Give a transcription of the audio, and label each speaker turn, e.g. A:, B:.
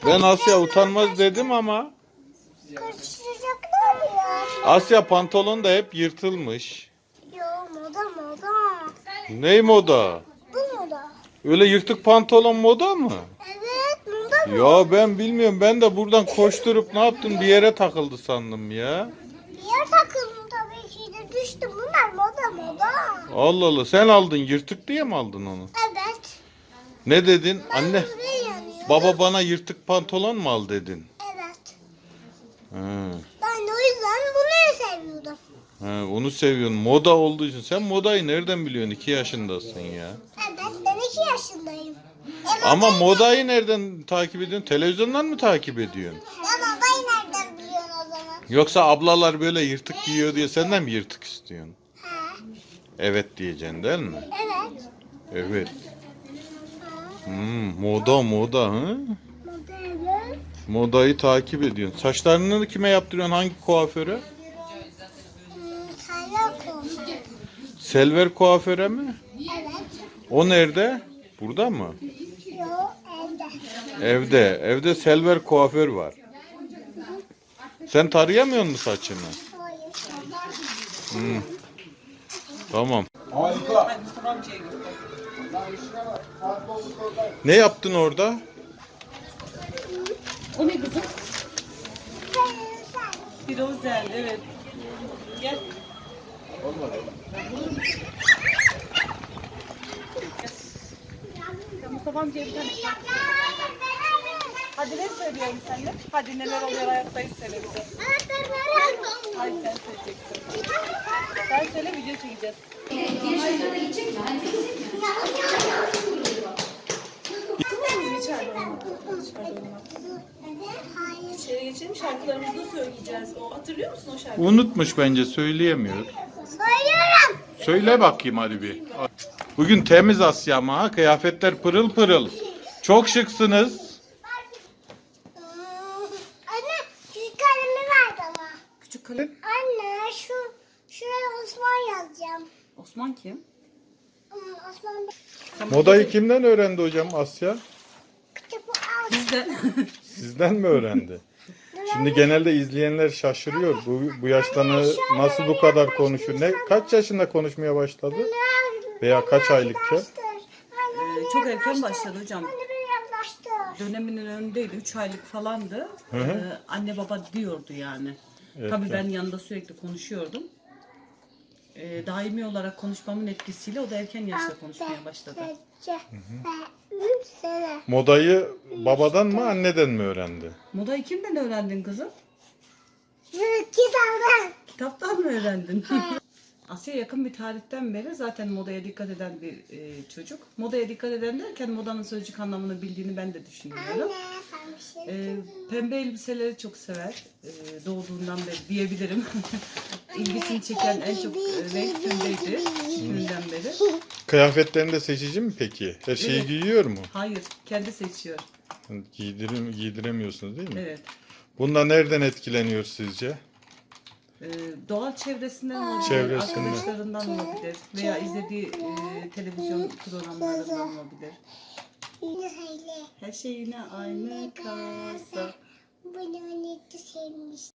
A: Ben Asya utanmaz dedim ama.
B: Karıştıracaklar ya.
A: Asya pantolon da hep yırtılmış.
B: Yo moda.
A: Ney moda?
B: Bu moda.
A: Öyle yırtık pantolon moda mı?
B: Evet moda mı?
A: Ya ben bilmiyorum. Ben de buradan koşturup ne yaptım bir yere takıldı sandım ya.
B: Bir yer takıldım tabii ki de düştüm. Bunlar moda.
A: Allah Allah. Sen aldın yırtık diye mi aldın onu?
B: Evet.
A: Ne dedin? Anne
B: Buraya yanıyor.
A: baba bana yırtık pantolon mu al dedin?
B: Evet.
A: He.
B: Ben de o yüzden bunu seviyordum.
A: He, onu seviyorsun. Moda olduğu için. Sen modayı nereden biliyorsun? 2 yaşındasın ya.
B: Evet ben 2 yaşındayım.
A: Ama modayı nereden takip ediyorsun? Televizyondan mı takip ediyorsun?
B: Ya modayı nereden biliyorsun o zaman?
A: Yoksa ablalar böyle yırtık giyiyor diye senden mi yırtık istiyorsun?
B: He.
A: Evet diyeceksin değil mi?
B: Evet.
A: Evet. Moda hı?
B: Moda evet.
A: Modayı takip ediyorsun. Saçlarını kime yaptırıyorsun? Hangi kuaföre?
B: Sayla konuşuyor.
A: Selver kuaföre mi?
B: Evet.
A: O nerede? Burada mı?
B: Yo evde.
A: Evde Selver kuaför var. Sen tarayamıyor musun saçını?
B: Hayır.
A: Tamam. Ne yaptın orada?
C: O ne kızım?
B: Sen.
C: Firozel, evet. Gel. Ya Mustafa amcaya bir tane şarkı söyle. Hadi ne söylüyorum seninle? Hadi neler oluyor hayattayız söyle bize. Hadi sen söyleyeceksin. Sen söyle video çekeceğiz. İçeri geçelim şarkılarımızı da söyleyeceğiz. O hatırlıyor musun o şarkıyı?
A: Unutmuş bence söyleyemiyor.
B: Söylüyorum.
A: Söyle bakayım hadi bir. Bugün temiz Asya ama ha, kıyafetler pırıl pırıl. Çok şıksınız.
B: Anne küçük kalemi ver bana.
C: Küçük kalem.
B: Anne şuraya Osman yazacağım.
C: Osman kim?
B: Osman
A: Modayı kimden öğrendi hocam Asya?
B: kitabı al.
C: Bizden.
A: Sizden mi öğrendi? Şimdi genelde izleyenler şaşırıyor. Bu yaşta nasıl bu kadar konuşuyor? Kaç yaşında konuşmaya başladı? Veya kaç aylıkken?
C: Çok erken başladı hocam.
B: Anne beni yaklaştır.
C: Döneminin önündeydi. 3 aylık falandı.
A: Hı hı.
C: Anne baba diyordu yani.
A: Evet,
C: Tabii
A: evet.
C: ben yanında sürekli konuşuyordum. Daimi olarak konuşmamın etkisiyle o da erken yaşta konuşmaya başladı.
B: Üç sene.
A: Modayı babadan mı anneden mi öğrendi?
C: Modayı kimden öğrendin kızım?
B: Kitabı.
C: Kitaptan mı öğrendin? Asya yakın bir tarihten beri zaten modaya dikkat eden bir çocuk. Modaya dikkat eden derken modanın sözcük anlamını bildiğini ben de düşünüyorum.
B: Anne sen bir şey
C: Pembe elbiseleri çok sever. Doğduğundan beri diyebilirim. İlgisini çeken en çok renk tündeydi. Küçüklüğünden beri.
A: Kıyafetlerini de seçici mi peki? Her şeyi
C: Evet.
A: giyiyor mu?
C: Hayır, kendi seçiyor.
A: Giydiremiyorsunuz değil mi?
C: Evet.
A: Bunda nereden etkileniyor sizce?
C: Doğal çevresinden olabilir,
A: Çevresinden.
C: arkadaşlarından olabilir veya izlediği televizyon programlarından olabilir.
B: söyle.
C: Her şey yine aynı kalsa.
B: Bunu ne sevmiş.